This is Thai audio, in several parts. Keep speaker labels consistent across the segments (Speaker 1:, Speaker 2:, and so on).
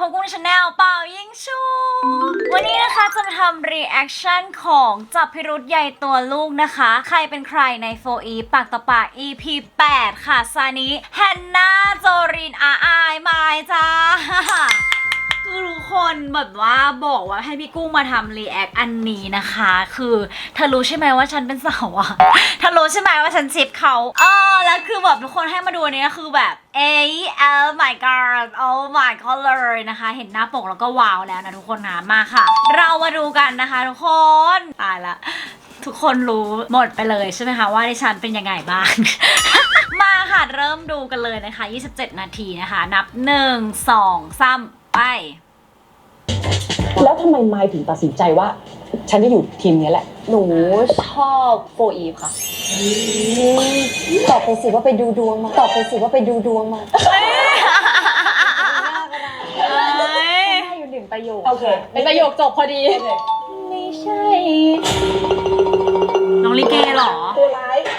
Speaker 1: กับกุ้งชาแนลเป่ายิงชูวันนี้นะคะจะมาทำรีแอคชั่นของจับพิรุธใหญ่ตัวลูกนะคะใครเป็นใครในโฟอีปากต่อปาก EP 8 ค่ะซานิแฮนนาโจรินอายมายจ้าคือทุกคนแบบว่าบอกว่าให้พี่กุ้งมาทำรีแอคอันนี้นะคะคือเธอรู้ใช่ไหมว่าฉันเป็นสาวอ่ะเธอรู้ใช่ไหมว่าฉันชิปเขาแล้วคือแบบทุกคนให้มาดูอันนี้คือแบบoh my god oh my god เลยนะคะเห็นหน้าปกแล้วก็ว้าวแล้วนะทุกคนนะมาค่ะเรามาดูกันนะคะทุกคนตายละทุกคนรู้หมดไปเลยใช่ไหมคะว่าดิฉันเป็นยังไงบ้าง มาค่ะเริ่มดูกันเลยนะคะ27 นาทีนะคะนับ1 2 3ไป
Speaker 2: แล้วทำไมไมค์ถึงตัดสินใจว่าฉันจะอยู่ทีมนี้แหละ
Speaker 3: หนูชอบโฟอีฟค่ะตอบไปสิว่าไปดูดวงมาตอบไปสิว่าไปดูดวงมาได้อยู่1 ประโยค
Speaker 2: โอเค
Speaker 3: เป็นประโยคจบพอดีไม่ใช่
Speaker 1: น้องลิเกเหรอ
Speaker 2: ตัวร้าย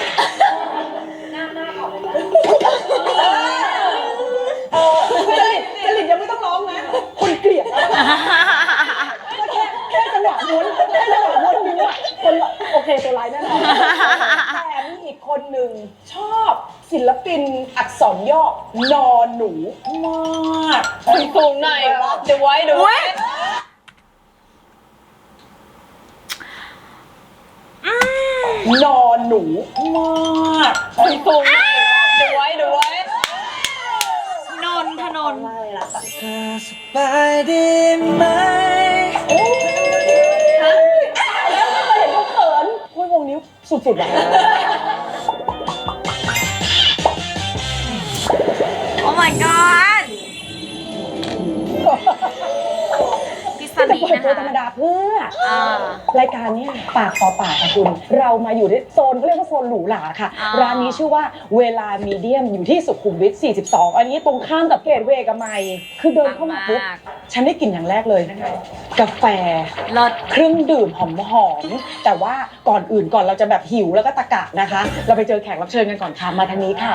Speaker 2: จริตยังไม่ต้องร้องนะคนเกลียดแค่จังหวะม้วนนิ้วคนโอเคตัวร้ายแน่นอนแต่มีอีกคนหนึ่งชอบศิลปินอักษรย่อนอหนูมาก
Speaker 3: สูงหน่อยเดี๋ยวไว้
Speaker 2: นอหนูมาก
Speaker 3: สูงหน่อยเดี๋ยวไว้
Speaker 1: นนทนนท์
Speaker 4: สบายดีไหม
Speaker 2: แล้วไม่เคยเห็นเขาเขินคุยวงนิ้วสุดๆอ่ะ
Speaker 1: โอ้ my god พี่ซันนี่นะคะ
Speaker 2: ธรรมดาเพื่อรายการเนี่ยปากต่อปากค่ะคุณเรามาอยู่ในโซนเขาเรียกว่าโซนหรูหราค่ะร้านนี้ชื่อว่าเวลามีเดียมอยู่ที่สุขุมวิท42อันนี้ตรงข้ามกับเกตเวย์กับไมค์คือเดินเข้ามาปุ๊บฉันได้กลิ่นอย่างแรกเลยกาแฟเครื่องดื่มหอมๆแต่ว่าก่อนเราจะแบบหิวแล้วก็ตะกะนะคะเราไปเจอแขกรับเชิญกันก่อนค่ะมาทางนี้ค่ะ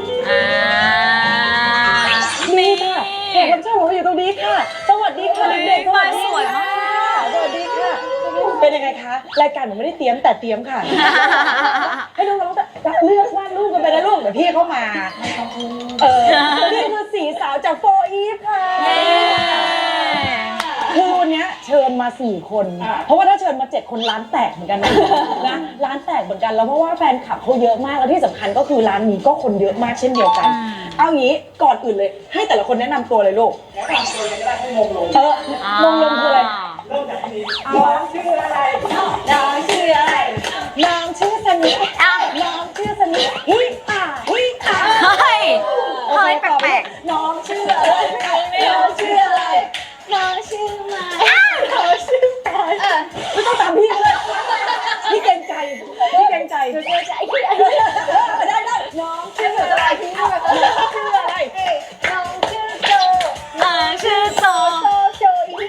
Speaker 2: นี่ค่ะแขกรับเชิญของเราอยู่ตรงนี้ค่ะสวัสดีค่ะเด็กๆสวัสดีค่ะสวัสดีค่ะเป็นยังไงคะรายการหนูไม่ได้เตรียมแต่เตรียมค่ะให้น้องๆเลือกวาดรูปกันไปนะลูกเดี๋ยวพี่เข้ามานี่คือสีสาวจากโฟอีฟค่ะคือวันนี้เชิญมา4 คนเพราะว่าถ้าเชิญมา7 คนร้านแตกเหมือนกันนะร้านแตกเหมือนกันแล้วเพราะว่าแฟนคลับเขาเยอะมากแล้วที่สำคัญก็คือร้านนี้ก็คนเยอะมากเช่นเดียวกันเอางี้ก่อนอื่นเลยให้แต่ละคนแนะนำตัวเลยลูก
Speaker 4: แนะนำตัวเลยก็ได้ให้มงลง
Speaker 2: มงลงคืออะไร
Speaker 4: เริ่มจากที่นี้น้องชื่ออะไร
Speaker 2: น้องชื่อสนิทน้องชื่อสนิทฮิป่า
Speaker 1: เฮ้ยแปลก
Speaker 2: ๆน้องชื่ออะไรน้องชื่ออะไร
Speaker 3: น้องชื่อไม้
Speaker 2: ไม่ต้องตามพี่เลยพี่เกรงใจได้น้องชื่ออะไรน้องชื่ออะไร
Speaker 3: น้องชื่อโจโจอี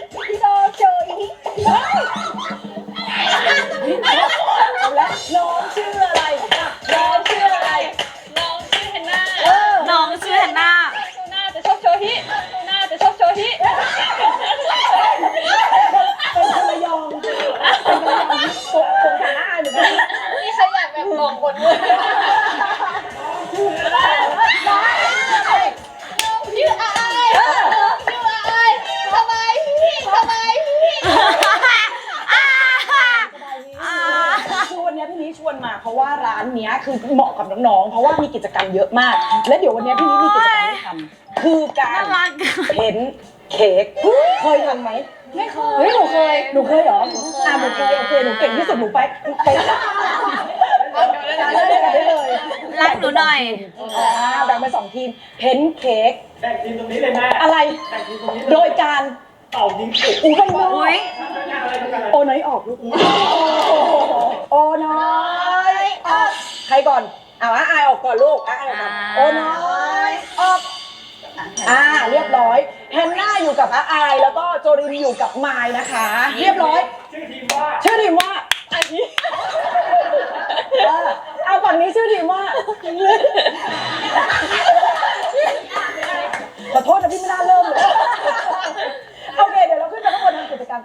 Speaker 2: เอาละน้องชื่ออะไรน้องชื่อ
Speaker 3: แฮนนา
Speaker 1: น้องชื่อแฮนนา
Speaker 3: โซน่าจะชอบโชฮิเป็น
Speaker 2: คนระยองตรงฐานะเหมือนกัน
Speaker 3: นี่ใครอยากแบบลองบนมือชื่ออายสบายพี่
Speaker 2: คือวันนี้พี่นี้ชวนมาเพราะว่าร้านนี้คือเหมาะกับน้องๆเพราะว่ามีกิจกรรมเยอะมากและเดี๋ยววันนี้พี่นี้มีกิจกรรมให้ทำคือการเพ้นเค้กเคยทำไหม
Speaker 3: ไม่เคย
Speaker 2: หนูเคยเหรอหนูเคยโอเคหนูเก่งที่สุดหนูไปได้เลย
Speaker 1: รักหนูหน่อย
Speaker 2: แบ่งเป็น2 ทีมเพ้นเค้ก
Speaker 4: แบ่งทีมตรงนี้เลยแม่
Speaker 2: อะไร
Speaker 4: แบ่งทีมตรงนี้
Speaker 2: โดยการ
Speaker 4: เป่ายิงฉุบ
Speaker 2: โอ้น้อยออกลูกโอ้น้อยออกใครก่อนอายออกก่อนลูกอายออกก่อนโอ้น้อยออกเรียบร้อยแฮนนาอยู่กับอายแล้วก็โจรินอยู่กับไมล์นะคะเรียบร้อย
Speaker 4: ชื่อทีมว่า
Speaker 2: อันนี้เอาฝั่งนี้ชื่อทีมว่าขอโทษนะพี่ไม่น่าเริ่มเลย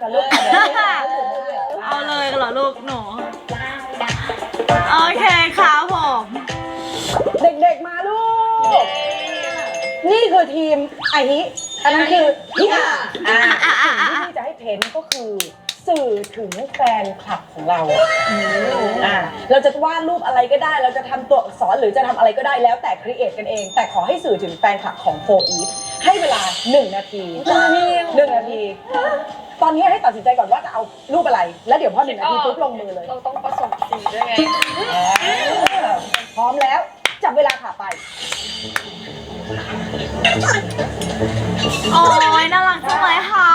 Speaker 2: กันลูก
Speaker 1: เอาเลยเหรอลูกหนูโอเคครับผม
Speaker 2: เด็กๆมาลูก นี่คือทีมไอฮิอันนั้นคือพี่อาสิ่งที่พี่จะให้เพ้นก็คือสื่อถึงแฟนคลับของเราเราจะวาดรูปอะไรก็ได้ เราจะทำตัวอักษรหรือจะทำอะไรก็ได้แล้วแต่ครีเอทกันเอง แต่ขอให้สื่อถึงแฟนคลับของโฟอีฟให้เวลา1 นาที1 นาที ตอนนี้ให้ตัดสินใจก่อนว่าจะเอารูปอะไร แล้วเดี๋ยวพอ1 นาทีปุ๊บลงมือเลย
Speaker 3: เราต้องผสมสีด้วยไง
Speaker 2: พร้อมแล้วจับเวลาค่ะไป
Speaker 1: โอ้ยน่ารักจังเลยค่ะ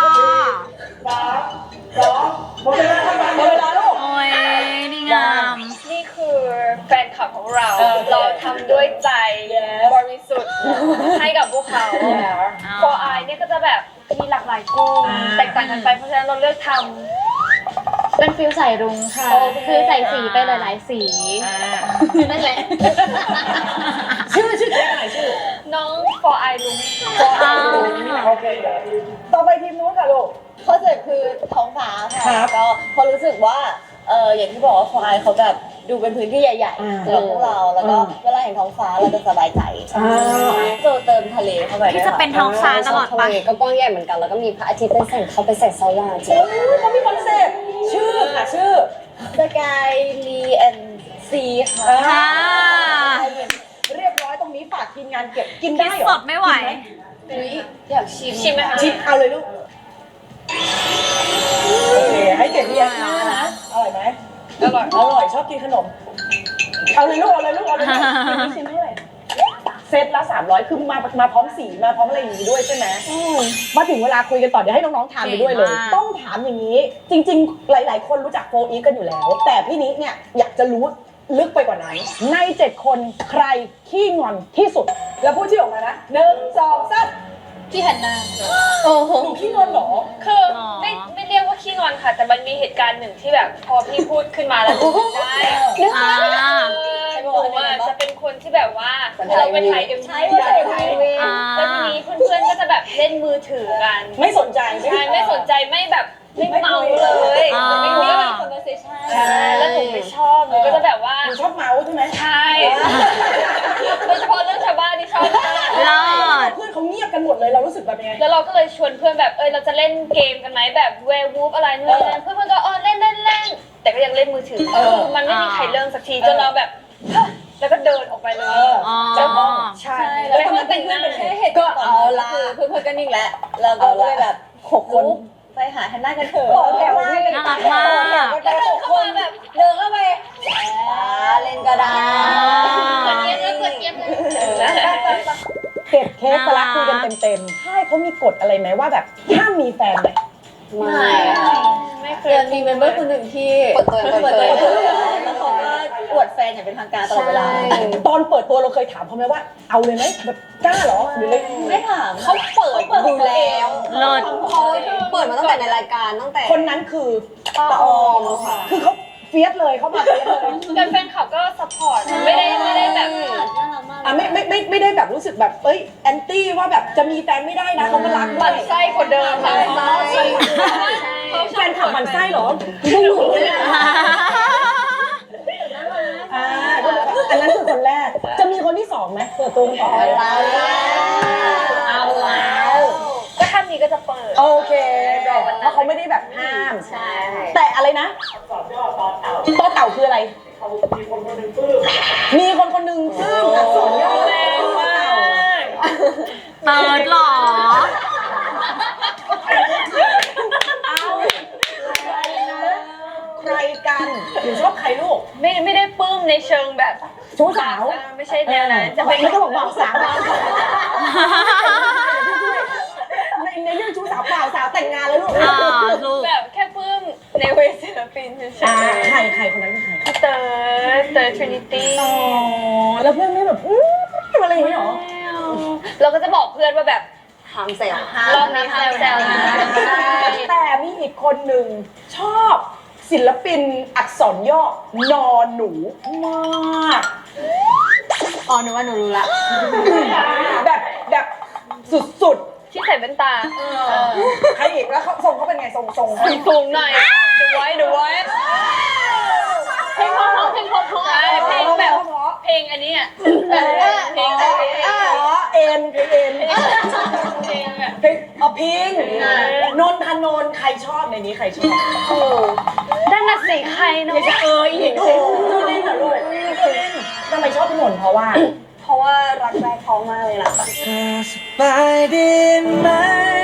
Speaker 4: 3 2หมดเวลาครับ
Speaker 2: หมดเวลาลูก
Speaker 1: โอ้ยดีงาม
Speaker 3: นี่คือแฟนคลับของเรา เราทำด้วยใจบริสุทธิ์ให้กับพวกเขา For I เนี่ยก็จะแบบมีหลากหลายกลุ่มแตกต่างกันไปเพราะฉะนั้นเราเลือกทำ
Speaker 5: เป็นฟิลใส่รุ้งค่ะ
Speaker 3: โอเค
Speaker 5: คือใส่สีไปหลาย ๆ สี นั่นแหละ
Speaker 2: ชื่อแจ๊คหน่อยชื่อ
Speaker 3: น้อง For I ลุง
Speaker 2: โอเคต่อไปทีมนู้นค่ะลูก
Speaker 6: คอนเซ็ปต์คือท้องฟ้า
Speaker 2: ครั
Speaker 6: ค่ะ
Speaker 2: บ
Speaker 6: ก็พอรู้สึกว่าอย่างที่บอกว่าควายเขาแบบดูเป็นพื้นที่ใหญ่ๆสำหรับพวกเราแล้วก็เวลาเห็นท้องฟ้าเราจะสบายใจจะเติมทะเลเข้าไป
Speaker 1: ที่จะเป็นท้องฟ้าตลอดไป
Speaker 6: ทะเลก็กว้างใหญ่เหมือนกันแล้วก็มีพระอาทิตย์เป็นแสงเขาไปแสงสว่างจริง
Speaker 2: เขามีคอนเซ็ปต์ชื่อค่ะชื่อ
Speaker 6: สกายลีแอนซีค่ะ
Speaker 1: ค่ะ
Speaker 2: เรียบร้อยตรงนี้ฝากทีมงานเก็บกิน
Speaker 1: คิ
Speaker 2: ได้
Speaker 1: ด
Speaker 2: เหรอ
Speaker 1: สดไม่ไหว
Speaker 6: อยากชิม
Speaker 3: ชิมไหมคะ
Speaker 2: ชิมเอาเลยลูกโอเคให้เก็บเรียงหน้านะอร่อยไหม
Speaker 3: อร่อย
Speaker 2: อร่อยชอบกินขนมเอาเลยลูกเอาเลยลูกเอาเลยลูกชิมเท่าไหร่เซตละ300คือมาพร้อมสีมาพร้อมอะไรอย่างนี้ด้วยใช่ไหมมาถึงเวลาคุยกันต่อเดี๋ยวให้น้องๆทานไปด้วยเลย
Speaker 1: เก่งมาก
Speaker 2: ต้องถามอย่างนี้ จริงๆ หลายๆ คนรู้จักโฟอีฟกันอยู่แล้ว แต่พี่นิเนี่ยอยากจะรู้ลึกไปกว่านั้น ใน 7 คนใครขี้งอนที่สุด แล้วพูดชื่อออกมานะ1 2 3
Speaker 5: พี่แฮนนา
Speaker 6: โอ้โห
Speaker 2: หนูขี้งอนเหรอ
Speaker 3: คือไม่เรียกว่าขี้งอนค่ะ แต่มันมีเหตุการณ์หนึ่งที่แบบพอพี่พูดขึ้นมาแล้วได้
Speaker 1: อ่า
Speaker 3: หนูจะเป็นคนที่แบบว่าเราไปถ่ายเอ็ม
Speaker 6: ใช่ว่าถ่าย MV
Speaker 3: แล้วทีนี้เพื่อนๆก็จะแบบเล่นมือถือกัน
Speaker 2: ไม่สนใจ
Speaker 3: ใช่ไม่สนใจไม่แบบไม่เมาเลย
Speaker 1: อ่า
Speaker 3: ไม่มี conversation ใช่แล้วหนูไม่ชอบหนูก็จะแบบว่า
Speaker 2: หนูชอบเมาส์ใช่ไหม
Speaker 3: ใช่โดยเฉพาะเรื่องชาวบ้านที่ชอบมาก
Speaker 1: รอด
Speaker 2: เพื่อนเขาเงียบกันหมดเลยเรารู้สึกแบบยังไง
Speaker 3: แล้วเราก็เลยชวนเพื่อนแบบเราจะเล่นเกมกันไหมแบบเวร์วูฟอะไรนู่นนี่นั่นเพื่อนๆก็เล่นแต่ก็ยังเล่นมือถือมันไม่มีใครเริ่มสักทีจนเราแบบแล้วก็เดินออกไปเลย
Speaker 1: อ๋อ
Speaker 3: ใช่แล้วเพื่อนแต่งหน้า
Speaker 6: ก็เอาละเพื่อนๆก็นิ่งแล้วแล้วก็เลยแบบ6 คนไปหาแฮนน่ากันเถอะ
Speaker 2: ต่อแถวให้
Speaker 1: น่ารักมาก
Speaker 6: แล้วเดินเข้ามาแบบเดินเข้าไปเล่นก็ได้
Speaker 2: เก็บเค้กสลักคุยกันเต็มๆใช่เขามีกฎอะไรไหมว่าแบบห้ามมีแฟนไหม
Speaker 6: ไม่ค่ะ
Speaker 3: ไม่เค
Speaker 6: เดื
Speaker 3: ย
Speaker 6: อนมีเมมเบอร์คนหนึ่งที่เปิดตัวแล้วเขาก็อวดแฟนอย่างเป็นทางการตลอดเวลา
Speaker 2: ตอนเปิดตัวเราเคยถามเขาไหมว่าเอาเลยไหมแบบกล้าเหรอหรืออะไร
Speaker 6: ไม่ถามเขาเปิดดูแล้ว
Speaker 1: เลิศ
Speaker 6: เขาเปิดมาตั้งแต่ในรายการตั้งแต่
Speaker 2: คนนั้นคือ
Speaker 6: ป้าออมค่ะ
Speaker 2: คือเขาเฟียสเลยเขามาเฟียสเลย
Speaker 3: แต่แฟนคลับก็ซัพพอร์ตไม่ได้แบบ
Speaker 2: อ่ะไม่ได้แบบรู้สึกแบบแอนตี้ว่าแบบจะมีแฟนไม่ได้นะเขาก็รักด้
Speaker 3: มั
Speaker 2: วน ย
Speaker 3: ไส้กว่าเดิมค่ะ
Speaker 2: แฟนขับมันไส้เหรออ่าอันนั้นคือคนแรกจะมีคนที่สองไหมเปิดตัวก่อน
Speaker 6: เอาแล้ว
Speaker 3: ก็ถ้ามีก็จะเปิด
Speaker 2: โอเคเพราะเขาไม่ได้แบบห้าม
Speaker 6: ใช่
Speaker 2: แต่อะไรนะ
Speaker 4: สอบย่อตอนเต่า
Speaker 2: ต่อเต่าคืออะไร
Speaker 4: เขามีคนคนหนึ่งปลื้ม
Speaker 2: มีคนคนหนึ่งซึ่งอักษรย่อ
Speaker 3: แรงมาก
Speaker 1: เติร์ดหรอ
Speaker 2: ใครกันหรือชอบใครลูก
Speaker 3: ไม่ได้ปลื้มในเชิงแบบ
Speaker 2: ชู้สาว
Speaker 3: ไม่ใช่แนวนั้นจะเป็น
Speaker 2: ไม่ต้องบอกบ่าวสาวในเรื่องชู้สาวเปล่าสาวแต่งงานแล้วลูก
Speaker 1: ลูก
Speaker 3: แบบแค่ปลื้มในเวทศิลปินเฉย
Speaker 2: ใครคนนั้นคือใคร
Speaker 3: ๆเตอร์ทรินิตี้
Speaker 2: อ๋อแล้วเพื่อนไม่แบบอะไรอย่างเงี้ยหรอ
Speaker 3: เราก็จะบอกเพื่อนว่าแบบ
Speaker 6: ห้ามแซว
Speaker 3: รอบนี้แซวนะ
Speaker 2: แต่มีอีกคนหนึ่งชอบศิลปินอักษรย่อนอหนูมาก
Speaker 5: อ๋อหนูว่าหนูรู้ละ
Speaker 2: แบบสุด
Speaker 3: ที่ใส่แว่นตา
Speaker 2: ใครอีกแล้วเขาทรงเขาเป็นไงทรง
Speaker 3: สูงหน่อยดูไว้เพลงเพราะเพลงแบบเพลงอันนี้อ่ะเพลงแบบ
Speaker 2: เอ็นเพลง
Speaker 3: เพลงแบบ
Speaker 2: เพลงพิงนนทนนท์ใครชอบในนี้ใครชอบ
Speaker 3: ด้านน่ะสิใครเนาะ
Speaker 2: อีกจูลินเหรอลูกจูลินทำไมชอบพี่นนท์เพราะว่า
Speaker 6: รักแรกท้องมากเลยนะ
Speaker 7: สบายดีไหม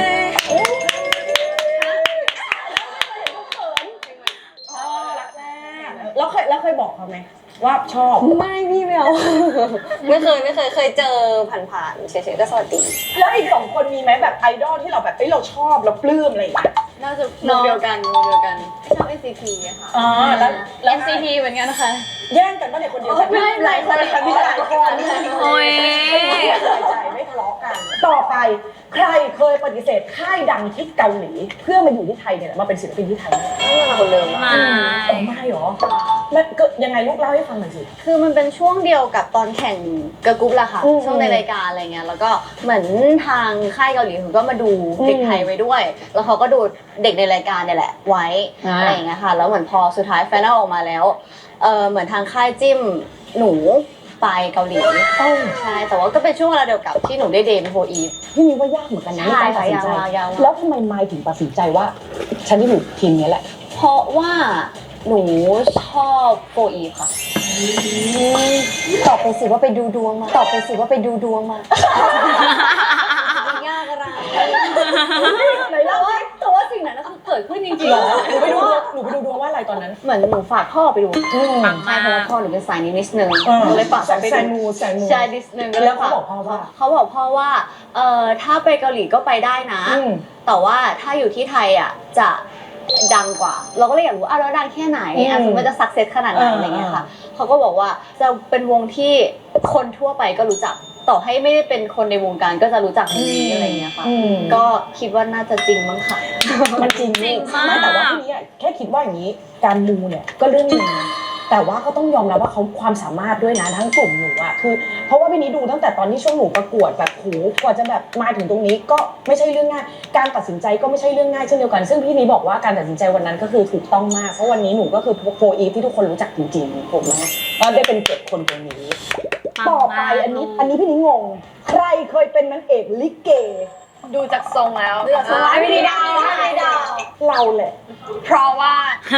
Speaker 2: แล้วเคยบอกเขาไหมว่าชอบ
Speaker 6: ไม่พี่ไม่เอาไม่เคยเจอผ่านๆเฉยๆก็สวัสดี
Speaker 2: แล้วอีก2 คนมีไหมแบบไอดอลที่เราแบบเราชอบเราปลื้มอะไรอย่างเงี้ย
Speaker 5: น่าจะ
Speaker 6: วงเดียวกันชอบ NCT อะค่ะ
Speaker 2: แล้ว
Speaker 5: NCT เหมือนกันค่ะ
Speaker 2: แย่งกันป่ะเนี่ยคนเดียวกัน
Speaker 6: ไม่หลายคนเลยค่ะพี่หลายคน
Speaker 1: โอ้ย
Speaker 2: สบายใจไม่ทะเลาะกัน ต่อไปใครเคยปฏิเสธค่ายดังที่เกาหลีเพื่อมาอยู่ที่ไทยเนี่ยมาเป็นศิลปินที่ไทย
Speaker 6: ไม่มาคนเดิม
Speaker 1: ไม่
Speaker 2: ไม่หรอแล้วเกิดยังไงลูกเล่าให้ฟังหน่อยสิ
Speaker 6: คือมันเป็นช่วงเดียวกับตอนแข่งเกิร์ลกรุ๊ปแหละค่ะ
Speaker 2: อืม
Speaker 6: ช่วงในรายการอะไรเงี้ยแล้วก็เหมือนทางค่ายเกาหลีเขาก็มาดูเด็กไทยไว้ด้วย แล้วเขาก็ดูเด็กในรายการเนี่ยแหละไว้อะไรอย่างเงี้ยค่ะแล้วเหมือนพอสุดท้ายไฟนอลออกมาแล้วเหมือนทางค่ายจิ้มหนูไปเกาหลีใช่แต่ว่าก็เป็นช่วงเวลาเดียวกับที่หนูได้เดบิวต์โฟอีฟ
Speaker 2: พี่มีว่ายากเหมือนกันนะในการตัดสินใจ
Speaker 6: ใช่ยาก
Speaker 2: แล้วทำไมไมค์ถึงตัดสินใจว่าฉันจะอยู่ทีมนี้แหละ
Speaker 6: เพราะว่าหนูชอบโฟอีฟค่ะตอบไปสิว่าไปดูดวงมาตอบไปสิว่าไปดูดวงมายากอะไร
Speaker 2: ไหนเล่าสิ
Speaker 6: แต่ว่าสิ่งนั้นคือเกิดขึ้นจริงๆ
Speaker 2: หรอหนูไปดูดวงว่าอะไรตอนนั้น
Speaker 6: เหมือนหนูฝากพ่อไปดู
Speaker 1: ปัง
Speaker 6: ใช่
Speaker 1: มาก
Speaker 6: เพราะว่าพ่อหนูเป็นสายนี้นิดนึง
Speaker 2: เออ
Speaker 6: ก็เลยฝากเขาไป
Speaker 2: ใส่
Speaker 6: ดู
Speaker 2: มู
Speaker 6: ใช่นิดนึงก็เล
Speaker 2: แล้
Speaker 6: ยว
Speaker 2: เขา
Speaker 6: ฝาก
Speaker 2: บอกพ่อว่า
Speaker 6: เขาบอกพ่อว่าถ้าไปเกาหลีก็ไปได้นะ แต่ว่าถ้าอยู่ที่ไทยอ่ะจะดังกว่า เราก็เลยอยากรู้แล้วดังแค่ไหนสมมติว่าจะสักเซสขนาดไหนอะไรเงี้ยค่ะเขาก็บอกว่าจะเป็นวงที่คนทั่วไปก็รู้จักต่อให้ไม่ได้เป็นคนในวงการก็จะรู้จักวงนี้อะไรเงี้ยค่ะก็คิดว่าน่าจะจริงมั้งค่ะ
Speaker 2: มันจริง
Speaker 1: จริงมาก
Speaker 2: ไม่แต่ว่าที่นี้แค่คิดว่าอย่างนี้การมูเนี่ยก็เรื่องหนึงนะแต่ว่าก็ต้องยอมรับว่าเขาความสามารถด้วยนะทั้งกลุ่มหนูอะคือเพราะว่าพี่นี้ดูตั้งแต่ตอนที่ช่วงหนูประกวดแบบโหกว่าจะแบบมาถึงตรงนี้ก็ไม่ใช่เรื่องง่ายการตัดสินใจก็ไม่ใช่เรื่องง่ายเช่นเดียวกันซึ่งพี่นี้บอกว่าการตัดสินใจวันนั้นก็คือถูกต้องมากเพราะวันนี้หนูก็คือโฟอีฟที่ทุกคนรู้จักจริงๆผมนะก็ได้เป็น7 คนตรงนี้ ต่อไปอันนี้พี่นี้งงใครเคยเป็นนางเอกลิเก
Speaker 3: ดูจากทรงแล้ว
Speaker 6: ไม่ได้ดาว
Speaker 2: เราแหละ
Speaker 3: เพราะว่า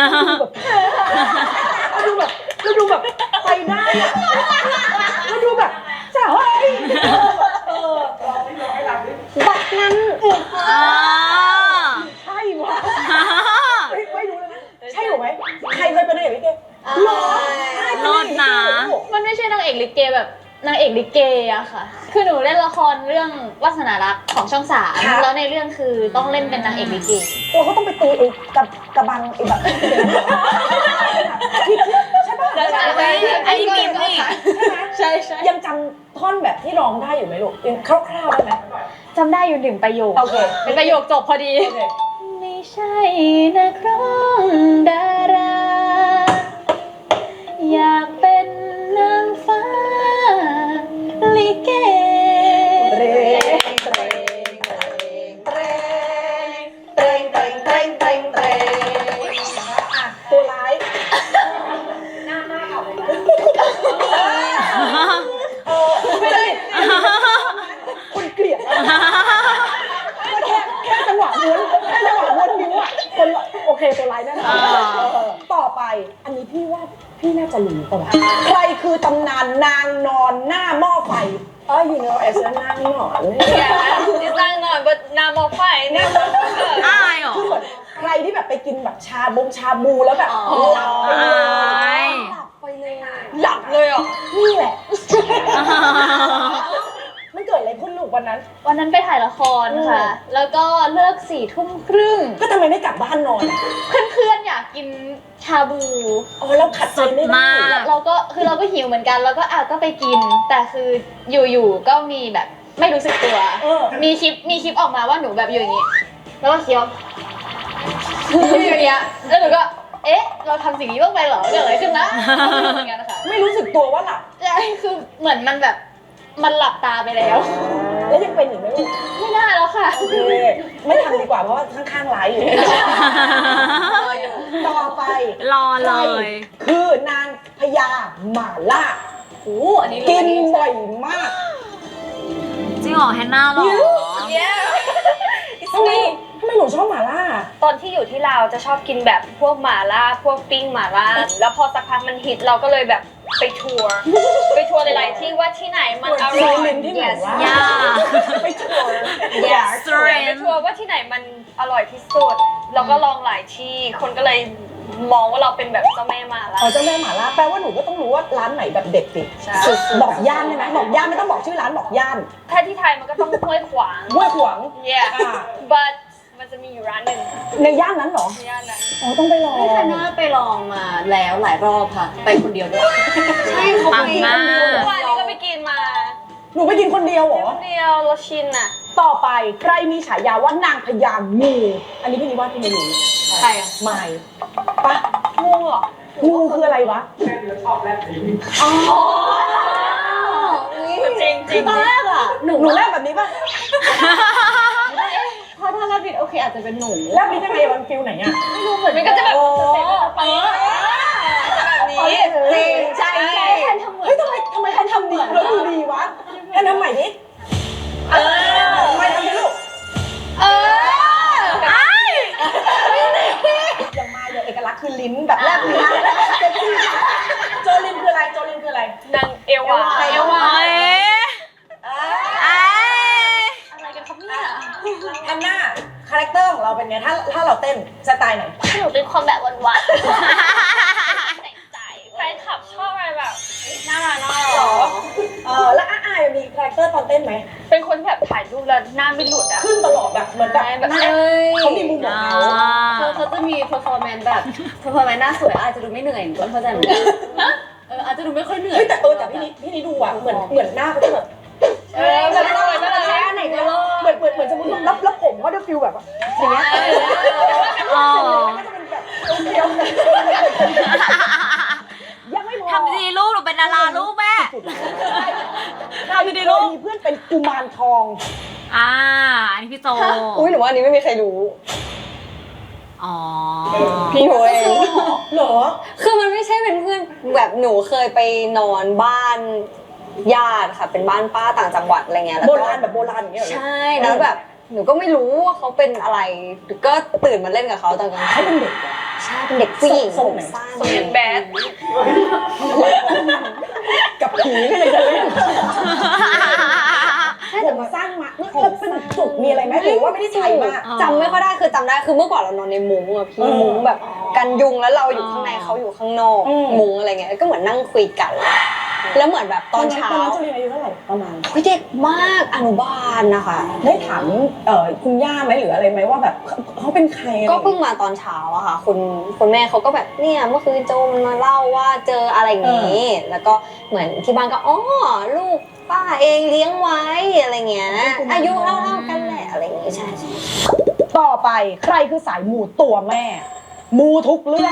Speaker 2: เราดูแบบไปได้อะเราดูแบบจะเฮ้ยบักนั้น
Speaker 1: อ่า
Speaker 2: ใช่วะไม่รู้เลยนะใช่หรือไหมใครเคยเป็นนางเอกลิเกหรอ
Speaker 1: โลดนะ
Speaker 5: มันไม่ใช่นางเอกลิเกแบบนางเอกลิเกอะค่ะ คือหนูเล่นละครเรื่องวาสนารักของช่อง3แล้วในเรื่องคือต้องเล่นเป็นนางเอกลิเก
Speaker 2: เราก็ต้องไปตีไอ้กระบังไอ้แบบที่ใช่ป่ะ
Speaker 1: อันนี้มีนี่
Speaker 5: ใช่
Speaker 2: ยังจำท่อนแบบที่ร้องได้อยู่ไหมลูกยังคร่าวๆได้ไหม
Speaker 5: จำได้อยู่1 ประโยค
Speaker 2: โอเค
Speaker 5: เป็นประโยคจบพอดี
Speaker 2: โอเค
Speaker 5: ไม่ใช่นักร้องดารา อยากเป็นนางฟ้าลิเก
Speaker 2: เรงเตรงเตรงเตรงเตรงเตรงเตรงเตรงอ่ะตัวร้ายไม่ได้คนเกลียดแค่จังหวะม้วนนิ้วอ่ะคนโอเคตัวร้ายแน่นอนต่อไปอันนี้พี่ว่าพี่น่าจะรู้ป่ะวะใครคือตำนานนางนอนหน้าหม้อไฟyou know as a นางนอน
Speaker 3: ที่สร้างหน่อยบนนามอไฟเนี่ย
Speaker 1: อายเหรอ
Speaker 2: คือเหมือนใครที่แบบไปกินแบบชาบูแล้วแบบหลับไปเลย
Speaker 3: หลับเลยอ่ะ
Speaker 2: นี่แหละมันเกิดอะไรขึ้นลูกวันนั้น
Speaker 5: วันนั้นไปถ่ายละครค่ะ แล้วก็เลิก4 ทุ่มครึ่ง
Speaker 2: ก็ทำไมไม่กลับบ้านนอน
Speaker 5: เพื่อนๆอยากกินชาบู
Speaker 2: แล้วขัดใจไม่ได้
Speaker 1: มาก
Speaker 5: เราก็หิวเหมือนกันแล้วก็ก็ไปกิน แต่คืออยู่ๆก็มีแบบไม่รู้สึกตัว มีคลิปออกมาว่าหนูแบบอยู่อย่างนี้ แล้วก็เคี้ยวอยู่อย่างเงี้ยแล้วหนูก็เราทำสิ่งนี้บ้างไปเหรอเกิดอะไรขึ้นนะเหมือนกันค่ะ
Speaker 2: ไม่รู้สึกตัวว่าหลับ
Speaker 5: ใช่คือเหมือนมันแบบมันหลับตาไปแล้ว
Speaker 2: แล้วยังเป็นอยู่ไหมลูก
Speaker 5: ไม่น่าแล้วค่ะ
Speaker 2: โอเคไม่ทำดีกว่าเพราะว่าข้างๆไลฟ์อยู่ ต่อไป
Speaker 1: รอเลย
Speaker 2: คือนางพญาหม่าล่า
Speaker 6: โอ้อันนี้
Speaker 2: กินบ่อยมาก
Speaker 1: จริงเหรอแฮนนาหรอ
Speaker 2: ทำไมหนูชอบหม่าล่า
Speaker 3: ตอนที่อยู่ที่ลาวจะชอบกินแบบพวกหม่าล่าพวกปิ้งหม่าล่าแล้วพอสักพักมันฮิตเราก็เลยแบบไปทัวร์หลายๆที่ว่าที่ไหนมันอร่อย
Speaker 2: ลิ้นที่ไหนวะ
Speaker 1: ย่า
Speaker 2: ไปทัวร์
Speaker 1: Yes
Speaker 3: ไปทัวร์ว่าที่ไหนมันอร่อยที่สุดแล้วก็ลองหลายที่คนก็เลยมองว่าเราเป็นแบบเจ้าแม่หม่าล่า
Speaker 2: เอาเจ้าแม่หม่าล่าแปลว่าหนูก็ต้องรู้ว่าร้านไหนแบบเด็ดสิ
Speaker 3: ใช่
Speaker 2: บอกย่านได้ไหมบอกย่านไม่ต้องบอกชื่อร้านบอกย่าน
Speaker 3: ถ้าที่ไทยมันก็ต้องห้วยขวาง
Speaker 2: ห้วยขวาง
Speaker 3: yeah
Speaker 2: อ่า
Speaker 3: but มันจะมีอยู่ร้านหนึ่ง
Speaker 2: ในย่านนั้นเหรอ
Speaker 3: ที่ย่านนั้น
Speaker 2: อ๋อต้องไปลอง
Speaker 6: พี่ธันน่าไปลองมาแล้วหลายรอบค่ะ ไปคนเดียวด้วยใช่เขา
Speaker 1: ปั
Speaker 6: ไป
Speaker 1: งมาก
Speaker 3: เมื่อวานนี้ก็ไปกินมา
Speaker 2: หนูไปกินคนเดียวเหรอ
Speaker 3: คนเดียวเราชินอ่ะ
Speaker 2: ต่อไปใครมีฉายาว่านางพญางูอันนี้พี่นิว่าพี่ไม่รู้
Speaker 6: ใครอะ
Speaker 2: ไม่ปะ
Speaker 3: งูเหรอ
Speaker 2: งูคืออะไรวะ
Speaker 4: แค่เดือชอบแลบลิ้น
Speaker 3: จริงจริง
Speaker 6: ตอนแรกอะหนู
Speaker 2: หนูแลบแบบนี้ปะ
Speaker 6: ถ้าแลบลิ้นโอเคอาจจะเป็นหนู
Speaker 2: แลบลิ้นยังไงมันฟิลไหนอะ
Speaker 6: ไม่รู้เหมือน
Speaker 3: มันก็จะแบบ
Speaker 2: โอ้
Speaker 3: ไปแบบนี้
Speaker 6: จริงใช่ใช่แทนทำเหมือน
Speaker 2: เฮ้ยทำไมแทนทำดีแล้วดูดีวะแทนทำใหม่ดิทำไมทำดิลูก อย่างมาอย่างเอกลักษณ์คือลิ้นแบบแลบลิ้นเซ็กซี่โจลินคืออะไรโจลินคืออะไร
Speaker 3: นางเอวา
Speaker 2: เอวา
Speaker 1: เอ้ยเอ้ย
Speaker 3: อะไรกันครับเนี่ย
Speaker 2: อันหน้าคาแรคเตอร์ของเราเป็นไงถ้าเราเต้นสไตล์ไหน
Speaker 5: หนูเป็นคนแบบวันๆแต่งใจ
Speaker 3: แฟนคลับชอบอะไรแบบน่ารักน่า
Speaker 2: หร
Speaker 3: รั
Speaker 2: อก แล้วอายมีคาแรคเตอร์ตอนเต้นไหม
Speaker 3: เป็นคนที่แบบถ่ายรูปแล้วหน้าไม่หลุดอ่ะ
Speaker 2: ขึ้นตลอดแบบเหมือนแบบ
Speaker 3: แบบ
Speaker 2: เขามีมุมของเขา
Speaker 6: เขาจะมี performance แบบ performance หน้าสวยอาจจะดูไม่เหนื่อยหนูก็เข้าใจเหมือนกันอาจจะดูไม่ค่อยเหนื่อย
Speaker 2: เฮ้ยแต่พี่นี่ดูอ่ะเหมือนหน้าเขาจะแบบ
Speaker 3: แบบสวยน่ารัก
Speaker 6: ไหนก็รอด
Speaker 2: เหมือนสมมติแล้วผมก็จะฟิลแบบอย่างเงี้ย
Speaker 1: อ๋อ
Speaker 2: ก็จะเป็นแบบเคี้ยวยังไม่พอ
Speaker 1: ทำดีลูกหนูเป็นดาราลูกแม่
Speaker 2: ทำดีลูกมีเพื่อนเป็นกุมารทอง
Speaker 1: อันนี้พี่โจ
Speaker 6: อุ้ยหนูว่าอันนี้ไม่มีใครรู้
Speaker 1: อ๋อ
Speaker 6: พี่หนูเอง
Speaker 2: เหรอ
Speaker 6: คือมันไม่ใช่เป็นเพื่อนแบบหนูเคยไปนอนบ้านญาติค่ะ เป็นบ้านป้าต่างจังหวัดอะไรเงี้ยแล้ว
Speaker 2: โบ
Speaker 6: ก็
Speaker 2: ราณแบบโบราณอย่างเงี้ยเหรอ
Speaker 6: ใช่แล้วแบบหนูก็ไม่รู้ว่าเขาเป็นอะไรก็ตื่นมาเล่นกับเขาตอนกลาง
Speaker 2: เขา
Speaker 6: คื
Speaker 2: เป็น
Speaker 6: น
Speaker 2: เด็กเหรอ
Speaker 6: ใช่เป็นเด็กผู้หญิง
Speaker 2: ทรง
Speaker 6: ผม
Speaker 2: ไหน
Speaker 6: สั้น
Speaker 3: ทรงยังแบด
Speaker 2: กับผีก็ยังจะเล่นผมสั้นมาแล้วเป็นจุกมีอะไรไหมหรือว่าไม่ได้ใช้มาก
Speaker 6: จำไม่ค่อยได้คือจำได้คือเมื่อก่อนเรานอนในมุ้งอะพี่มุ้งแบบกันยุงแล้วเราอยู่ข้างในเขาอยู่ข้างนอกมุ้งอะไรเงี้ยก็เหมือนนั่งคุยกันแล้วเหมือนแบบตอนเช้า
Speaker 2: ตอนนั้นจุลินอายุเท่าไหร่ประมาณ
Speaker 6: เฮ้ยเด็กมากอนุบาลนะคะ
Speaker 2: ได้ถามคุณย่าไหมหรืออะไรไหมว่าแบบเขาเป็นใครอะไร
Speaker 6: ก็เพิ่งมาตอนเช้าอะค่ะคุณแม่เขาก็แบบเนี่ยเมื่อคืนโจมันมาเล่าว่าเจออะไรอย่างนี้ แล้วก็เหมือนที่บ้านก็อ๋อลูกป้าเองเลี้ยงไว้อะไรเงี้ยอายุเท่าๆกันแหละอะไรอย่างงี้ใช่
Speaker 2: ต่อไปใครคือสายมูตัวแม่ มูทุกเรื่อง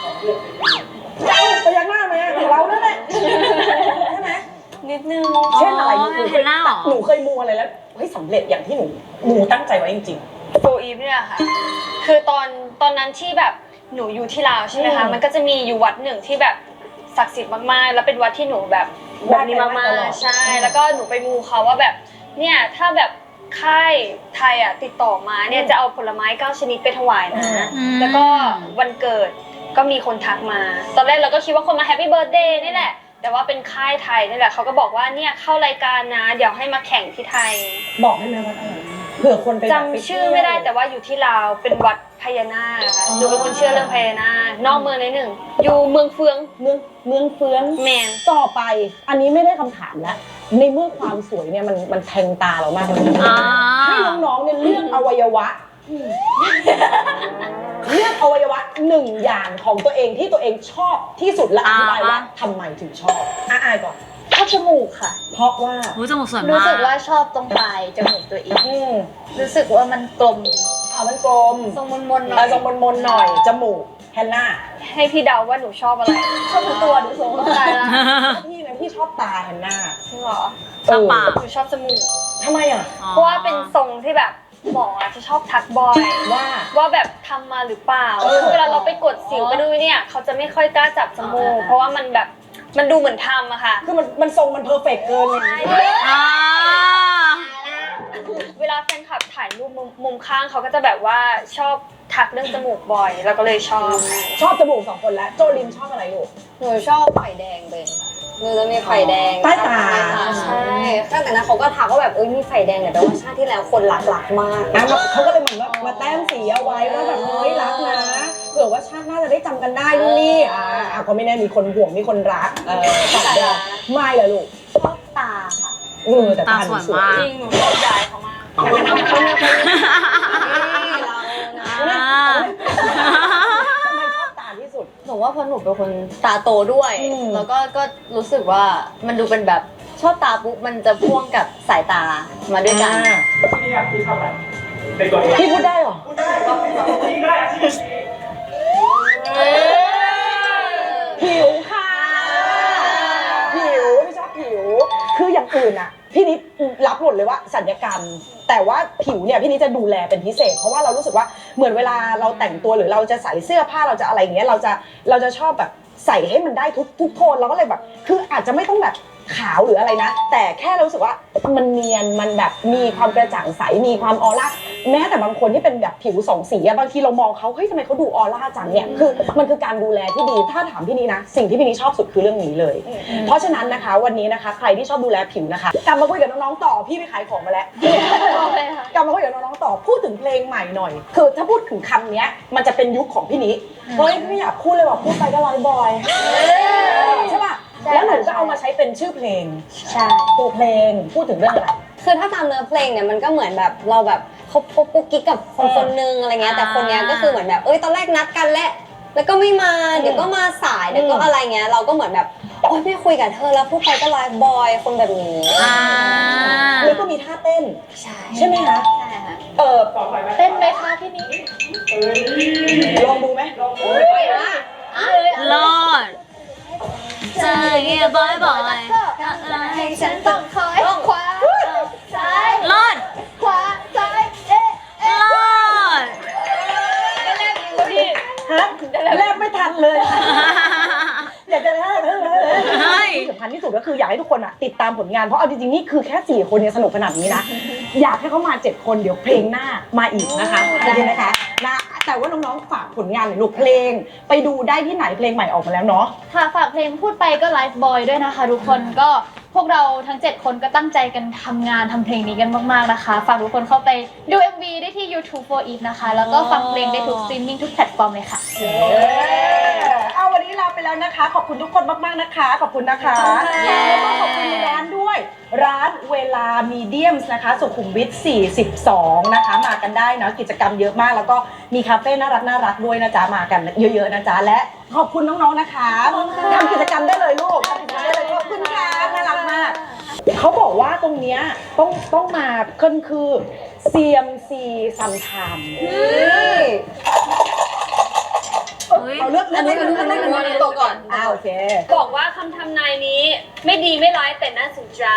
Speaker 2: ไปยักหน้าไหมของเรานั่นแหละใช่ไหม
Speaker 6: นิดนึง
Speaker 2: เช่นอะไร
Speaker 1: อ๋อเห็นหน้าเหรอ
Speaker 2: หนูเคยมูอะไรแล้วเฮ้ยสำเร็จอย่างที่หนูมูตั้งใจไว้จริง
Speaker 3: โฟอีฟเนี่ยค่ะ คือตอนนั้นที่แบบหนูอยู่ที่ลาวใช่ไหมคะ มันก็จะมีอยู่วัดหนึ่งที่แบบศักดิ์สิทธิ์มากๆ แล้วเป็นวัดที่หนูแบบแบบนี้มากๆ ใช่ แล้วก็หนูไปมูเขาว่าแบบเนี่ยถ้าแบบค่ายไทยอ่ะติดต่อมาเนี่ยจะเอาผลไม้9ชนิดไปถวายนะ แล้วก็วันเกิดก็มีคนทักมา ตอนแรกเราก็คิดว่าคนมาแฮปปี้เบิร์ธเดย์นี่แหละ แต่ว่าเป็นค่ายไทยนี่แหละเขาก็บอกว่าเนี่ยเข้ารายการนะ เดี๋ยวให้มาแข่งที่ไทย
Speaker 2: ๆ บอกได้ไหมว่าอะไรเผื่อคนไปแบบ
Speaker 3: จำชื่อไม่ได้แต่ว่าอยู่ที่ลาวเป็นวัดพญานาคค่ะหนูเป็นคนเชื่อเรื่องพญานาคนอกเมืองนิดหนึ่งอยู่เมืองเฟือง
Speaker 2: เมืองเฟือง
Speaker 3: แมน
Speaker 2: ต่อไปอันนี้ไม่ได้คำถามแล้วในเมื่อความสวยเนี่ยมันแทงตาเรามากเลยนะ
Speaker 1: อ่า
Speaker 2: ให้น้องๆเนี่ยเลือกอวัยวะเลือกอวัยวะหนึ่งอย่างของตัวเองที่ตัวเองชอบที่สุดและอธิบายว่าทำไมถึงชอบอายก่อน
Speaker 5: ชอบจมูกค่ะ
Speaker 2: เพราะว่า
Speaker 1: หูจมูกสวยมาก
Speaker 5: รู้สึกว่าชอบตรงปลายจมูกตัวเอง
Speaker 2: ม
Speaker 5: รู้สึกว่ามันกลม
Speaker 2: มันกลม
Speaker 5: ทรงมนๆหน่อย
Speaker 2: ทรงมนๆหน่อยจมูกแฮนน่า
Speaker 3: ให้พี่เดาว่าหนูชอบอะไร
Speaker 5: ชอบทั้งตัวดูทรง
Speaker 3: ตายละ
Speaker 2: พี่นะพี่ชอบตาแฮนน่า
Speaker 3: จริงเหรอ
Speaker 1: ชอบปาก
Speaker 3: หนูชอบจมูก
Speaker 2: ทำไมอ่ะ
Speaker 3: เพราะว่าเป็นทรงที่แบบหมอจะชอบทักบ่อย
Speaker 2: ว่า
Speaker 3: แบบทำมาหรือเปล่า
Speaker 2: เออ
Speaker 3: คือเวลาเราไปกดสิวไปดูเนี่ยเขาจะไม่ค่อยกล้าจับจมูกเพราะว่ามันแบบมันดูเหมือนทำอะค่ะ
Speaker 2: คือมันทรงมันเพอร์เฟกต์เกินเลย
Speaker 1: อ่า
Speaker 3: เวลาแฟนคลับถ่ายรูปมุมข้างเขาก็จะแบบว่าชอบทักเรื่องจมูกบ่อย แล้วก็เลยชอบ
Speaker 2: ชอบจมูก2 คนแล้ว โจลินชอบอะไรลูก
Speaker 6: หนูชอบไข่แดงเลยหนูจะมีไข่แดง
Speaker 2: ใต้ตา
Speaker 6: ใช่ตั้งแต่นั้นเขาก็ทักว่าแบบมีไข่แดงเนี่ยแต่ว่าชาติที่แล้วคนรักมาก
Speaker 2: อ่ะเขาก็เลยเหมือนว่ามาแต้มสีเอาไว้ว่าแบบเฮ้ยรักนะเผื่อว่าชาติหน้าจะได้จำกันได้นู่นนี่ก็ไม่แน่มีคนห่วงมีคนรักตอบได้ไม่เหรอลูก
Speaker 6: ชอบตาค่ะ
Speaker 2: แต่ตาหนูสวย
Speaker 3: จริงหนูชอบยายเขามาก
Speaker 1: อ่า
Speaker 2: ทำไมชอบตาที่สุด
Speaker 6: หนูว่าเพราะหนูเป็นคนตาโตด้วย
Speaker 2: อืม
Speaker 6: แล้วก็รู้สึกว่ามันดูเป็นแบบชอบตาปุ๊บมันจะพ่วงกับสายตามาด้วยกัน
Speaker 4: ที่นี่พี่ชอบอะไรในตัวเอง
Speaker 2: พี่พูดได้เหรอ
Speaker 4: พูดได้ครับที่ได้ที่
Speaker 2: ผิวค่ะ ผิวไม่ชอบผิว คืออย่างอื่นอ่ะ พี่นิดรับหมดเลยว่าสัญญกรรม แต่ว่าผิวเนี่ยพี่นิดจะดูแลเป็นพิเศษ เพราะว่าเรารู้สึกว่าเหมือนเวลาเราแต่งตัวหรือเราจะใส่เสื้อผ้าเราจะอะไรอย่างเงี้ยเราจะชอบแบบใส่ให้มันได้ทุกโทนเราก็เลยแบบ คืออาจจะไม่ต้องแบบขาวหรืออะไรนะ แต่แค่รู้สึกว่ามันเนียนมันแบบมีความกระจ่างใสมีความออร่าแม้แต่บางคนที่เป็นแบบผิว2 สีอะบางทีเรามองเขาเฮ้ยทำไมเขาดูออร่าจังเนี่ยคือมันคือการดูแลที่ดีถ้าถามพี่นี้นะสิ่งที่พี่นี้ชอบสุดคือเรื่องนี้เลย เพราะฉะนั้นนะคะวันนี้นะคะใครที่ชอบดูแลผิวนะคะกลับมาคุยกับน้องๆต่อพี่ไปขายของมาแล้วกลับมาคุยกับน้องๆต่อพูดถึงเพลงใหม่หน่อย คือถ้าพูดถึงคำเนี้ยมันจะเป็นยุคของพี่นี้เฮ้ยไม่อยากพูดเลยว่าพูดไปก็ร้อยบอยใช่ป่ะแล้วหนูก็เอามาใช้เป็นชื่อเพลง
Speaker 6: ใช่
Speaker 2: ตัวเพลงพูดถึงเรื่องอะไร
Speaker 6: คือถ้าตามเนื้อเพลงเนี่ยมันก็เหมือนแบบเราแบบคบกุ๊กกิ๊กกับคนนึงอะไรเงี้ยแต่คนเนี้ยก็คือเหมือนแบบตอนแรกนัดกันแล้วก็ไม่มาเดี๋ยวก็มาสายเดี๋ยวก็อะไรเงี้ยเราก็เหมือนแบบโอ๊ยไม่คุยกับเธอแล้วพูดไปก็ไลฟ์บอยคนแบบนี้
Speaker 1: อ่า
Speaker 2: แล้วก็มีท่าเต้น ใช่ไหมคะ
Speaker 6: ใช่ค่ะ
Speaker 4: ต่อไปไหม
Speaker 5: เต้นไหมคะพี่นี้
Speaker 2: ลองดูไหม
Speaker 1: รอดใจบ่อยบ่อย
Speaker 5: ให้ฉันต้องคอยขวาซ้าย
Speaker 1: รอด
Speaker 5: ขวาซ้าย
Speaker 1: รอด
Speaker 2: ฮะแรกไม่ทันเลย อยากจะได้ที่สำคัญที่สุดก็คืออยากให้ทุกคนติดตามผลงานเพราะเอาจริงๆนี่คือแค่4 คนเนี่ยสนุกขนาดนี้นะอยากให้เขามา7 คนเดี๋ยวเพลงหน้ามาอีกนะคะได้ไหมคะนะแต่ว่าน้องๆฝากผลงานหน่อยลูกเพลงไปดูได้ที่ไหนเพลงใหม่ออกมาแล้วเนาะ
Speaker 5: ค่ะฝากเพลงพูดไปก็ไลฟ์บอยด้วยนะคะทุกคนก็พวกเราทั้ง 7 คนก็ตั้งใจกันทำงานทำเพลงนี้กันมากๆนะคะฝากทุกคนเข้าไปดู MV ได้ที่ YouTube for Eve นะคะแล้วก็ฟังเพลงได้ทุกสตรีมมิ่งทุกแพลตฟอร์มเลยค่ะ
Speaker 2: เอาวันนี้ลาไปแล้วนะคะ ขอบคุณทุกคนมากๆนะคะ ขอบคุณนะคะแล้วก็ขอบคุณร้านด้วย ร้านเวลามีเดียมส์นะคะสุขุมวิท42นะคะมากันได้นะกิจกรรมเยอะมากแล้วก็มีคาเฟ่น่ารักด้วยนะจ๊ะมากันเยอะๆนะจ๊ะและขอบคุณน้องๆนะคะทำกิจกรรมได้เลยลูกทำกิจกรรมได้เลยขอบคุณค่ะน่ารักมากเขาบอกว่าตรงเนี้ยต้องมาขึ้นคือ CMC ซัมไทม์เอาเลือก
Speaker 6: ตัวก่อน
Speaker 2: โอเค
Speaker 3: บอกว่าคำทำนายนี้ไม่ดีไม่ร้ายแต่น่าสนใจ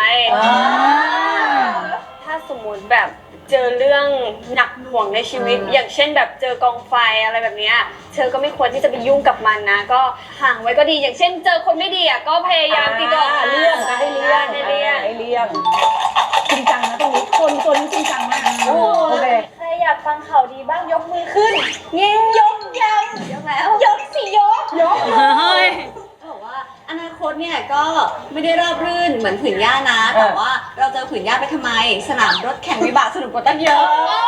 Speaker 3: ถ้าสมมติแบบเจอเรื่องหนักหน่วงในชีวิต อย่างเช่นแบบเจอกองไฟอะไรแบบเนี้ยเธอก็ไม่ควรที่จะไปยุ่งกับมันนะ ก็ห่างไว้ก็ดีอย่างเช่น เจอคนไม่ดีก็พยายามติดต่อ
Speaker 2: เลี่ยงให้เลี่ยง
Speaker 3: ให้เลี่ยง
Speaker 2: ให้เลี่ยงจริงจังนะตรงนี้คนตัวนี้จริงจังมากโอเค
Speaker 5: ใครอยากฟังข่าวดีบ้างยกมือขึ้นยกยังยกแล้วยกสิยก
Speaker 1: เฮ้ย
Speaker 6: บอกว่าอนาคตเนี่ยก็ไม่ได้ราบรื่นเหมือนผืนหญ้านะ แต่ว่าเราจะผืนหญ้าไปทำไม สนามรถแข่งวิบากสนุกกว่าตั้งเยอะ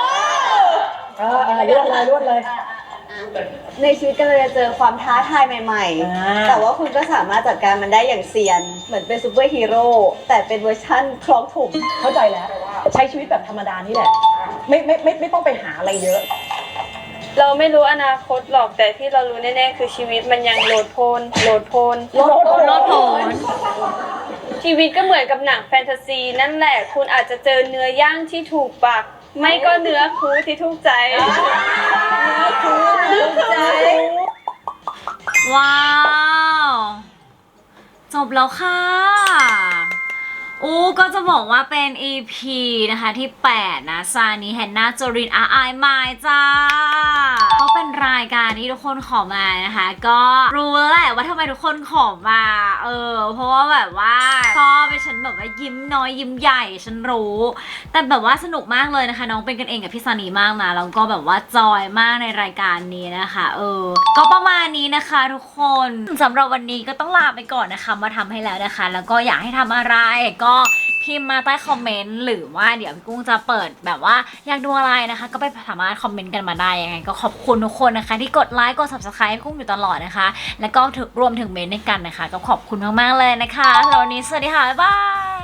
Speaker 2: รวดเลย
Speaker 6: ในชีวิตก็เลยจะเจอความท้าทายใหม่ๆ แต่ว่าคุณก็สามารถจัดการมันได้อย่างเซียน เหมือนเป็นซูเปอร์ฮีโร่แต่เป็นเวอร์ชั่นคล้องถุง
Speaker 2: เข้าใจแล้ว ใช้ชีวิตแบบธรรมดานี่แหละไม่ต้องไปหาอะไรเยอะ
Speaker 3: เราไม่รู้อนาคตหรอกแต่ที่เรารู้แน่ๆคือชีวิตมันยังโลดโพน
Speaker 1: รถผล
Speaker 3: ชีวิตก็เหมือนกับหนังแฟนตาซีนั่นแหละคุณอาจจะเจอเนื้อย่างที่ถูกปากไม่ก็เนื้อคูที่ถูกใจ
Speaker 1: ว้าว จบแล้วค่ะก็จะบอกว่าเป็น EP นะคะที่ 8 นะซานีแฮนนาโจรินอาไอมายจ้าก็เป็นรายการที่ทุกคนขอมานะคะ ก็รู้แล้วแหละว่าทำไมทุกคนขอมาเพราะว่าแบบว่าชอบไปฉันแบบว่ายิ้มน้อยยิ้มใหญ่ฉันรู้ แต่แบบว่าสนุกมากเลยนะคะน้องเป็นกันเองกับพี่ซานีมากนะแล้วก็แบบว่าจอยมากในรายการนี้นะคะก็ประมาณนี้นะคะทุกคนสำหรับวันนี้ก็ต้องลาไปก่อนนะคะมาทำให้แล้วนะคะ แล้วก็อยากให้ทำอะไรก็พิมพ์มาใต้คอมเมนต์หรือว่าเดี๋ยวพี่กุ้งจะเปิดแบบว่าอยากดูอะไรนะคะก็ไปสามารถคอมเมนต์กันมาได้ยังไงก็ขอบคุณทุกคนนะคะที่กดไลค์กด subscribe ให้กุ้งอยู่ตลอดนะคะแล้วก็รวมถึงเมนต์ในกันนะคะก็ขอบคุณมากๆเลยนะคะแล้ววันนี้สวัสดีค่ะบ๊ายบาย